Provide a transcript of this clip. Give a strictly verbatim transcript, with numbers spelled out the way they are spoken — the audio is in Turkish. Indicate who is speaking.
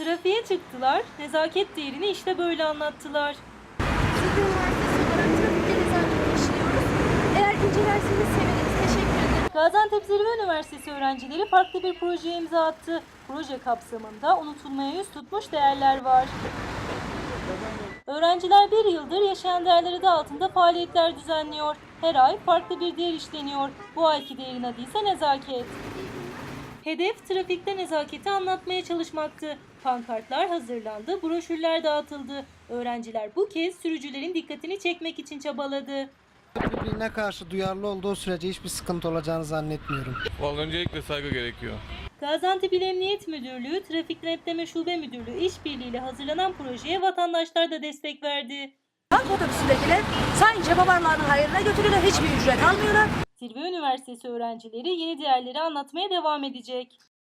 Speaker 1: Trafiğe çıktılar, nezaket değerini işte böyle anlattılar.
Speaker 2: Zilver Üniversitesi olarak trafikte nezaket işliyoruz. Eğer incelerseniz seviniriz. Teşekkür ederim.
Speaker 1: Gaziantep Zilver Üniversitesi öğrencileri farklı bir projeye imza attı. Proje kapsamında unutulmaya yüz tutmuş değerler var. Öğrenciler bir yıldır yaşayan değerler adı altında faaliyetler düzenliyor. Her ay farklı bir değer işleniyor. Bu ayki değerin adı ise nezaket. Hedef trafikte nezaketi anlatmaya çalışmaktı. Pankartlar hazırlandı, broşürler dağıtıldı. Öğrenciler bu kez sürücülerin dikkatini çekmek için çabaladı.
Speaker 3: Birbirine karşı duyarlı olduğu sürece hiçbir sıkıntı olacağını zannetmiyorum.
Speaker 4: Vallahi öncelikle saygı gerekiyor.
Speaker 1: Gaziantep İl Emniyet Müdürlüğü, Trafik Denetleme Şube Müdürlüğü işbirliğiyle hazırlanan projeye vatandaşlar da destek verdi.
Speaker 5: Halk otobüsündekiler sadece babalarının hayrına götürüyorlar, hiçbir ücret almıyorlar.
Speaker 1: Zilver Üniversitesi öğrencileri yeni değerleri anlatmaya devam edecek.